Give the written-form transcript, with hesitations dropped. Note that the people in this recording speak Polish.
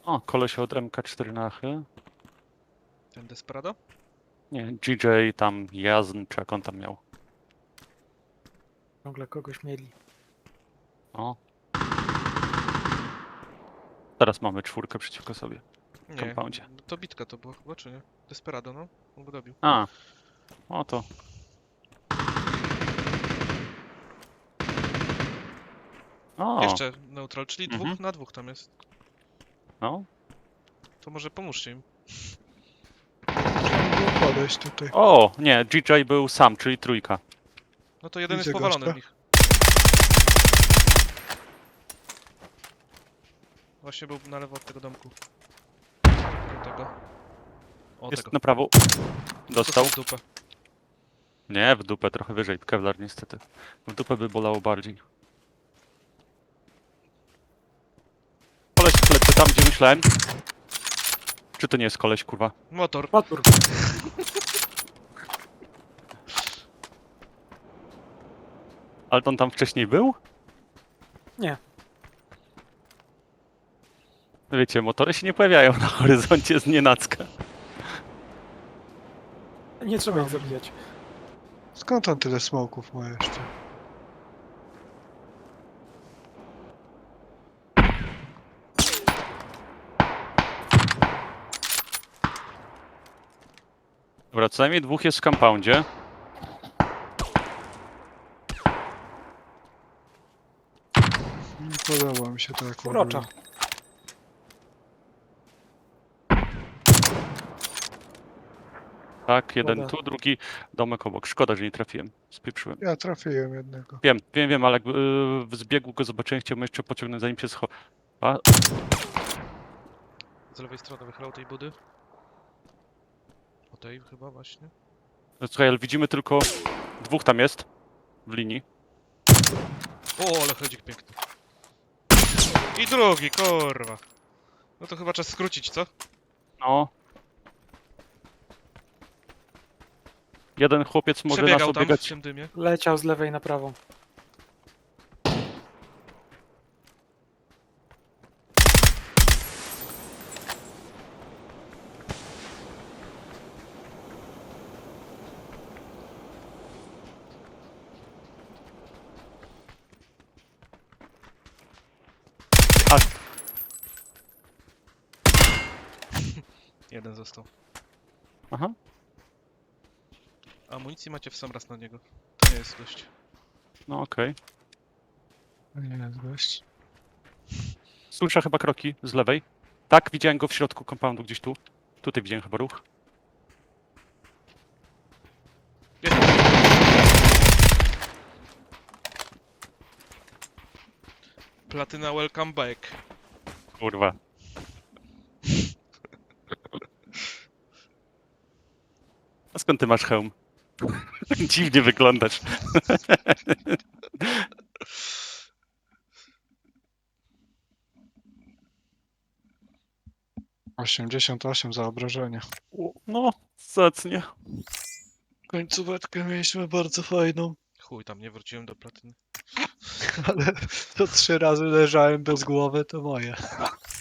O, koleś od MK4 na chyl. Ten Desperado? Nie, GJ tam, Jazn, czy jak on tam miał. Ciągle kogoś mieli. O. Teraz mamy 4 przeciwko sobie. Nie, Compoundzie. to bitka to była chyba, czy nie? Desperado, no. On go dobił. A. O to. O. Jeszcze neutral, czyli Mhm. 2 na 2 tam jest. No. To może pomóżcie im. Trzeba było podejść tutaj. O, nie, GJ był sam, czyli 3. No to jeden Widzę jest powalony gościa. w nich. Właśnie był na lewo od tego domku. Do tego. O, Jest tego. na prawo. Dostał. w dupę. Nie, w dupę, trochę wyżej. Kevlar niestety. W dupę by bolało bardziej. Koleś plecy tam, gdzie myślałem. Czy to nie jest koleś, kurwa? Motor. Motor. Ale on tam wcześniej był? Nie. Wiecie, motory się nie pojawiają na horyzoncie z nienacka. Nie trzeba ich zabijać. Skąd on tyle smoków ma jeszcze? Dobra, co najmniej 2 jest w compoundzie. Nie podoba mi się to jak Urocza. ładuje. Tak, jeden Szkoda. tu, drugi domek obok. Szkoda, że nie trafiłem. Spieprzyłem. Ja trafiłem jednego. Wiem, ale jakby w zbiegu go zobaczyłem, chciałbym jeszcze pociągnąć zanim się schowa. Z lewej strony wychylał tej budy. O tej chyba właśnie. Słuchaj, ale widzimy tylko 2 tam jest w linii. O, ale chodzik piękny. I drugi, kurwa. No to chyba czas skrócić, co? No. Jeden chłopiec może nas Przebiegał tam w obiegać. tym dymie. Leciał z lewej na prawą. Jeden został. Aha. Amunicji macie w sam raz na niego. To nie jest gość. No okej. To nie jest gość. Słyszę chyba kroki z lewej. Tak, widziałem go w środku compoundu gdzieś tu. Tutaj widziałem chyba ruch. Jest. Platyna welcome back. Kurwa. A skąd ty masz hełm? Dziwnie wyglądasz. 88 za obrażenia. No, zacnie. Końcóweczkę mieliśmy bardzo fajną, Chuj, tam nie wróciłem do platyny. ale to 3 razy leżałem bez głowy, to moje.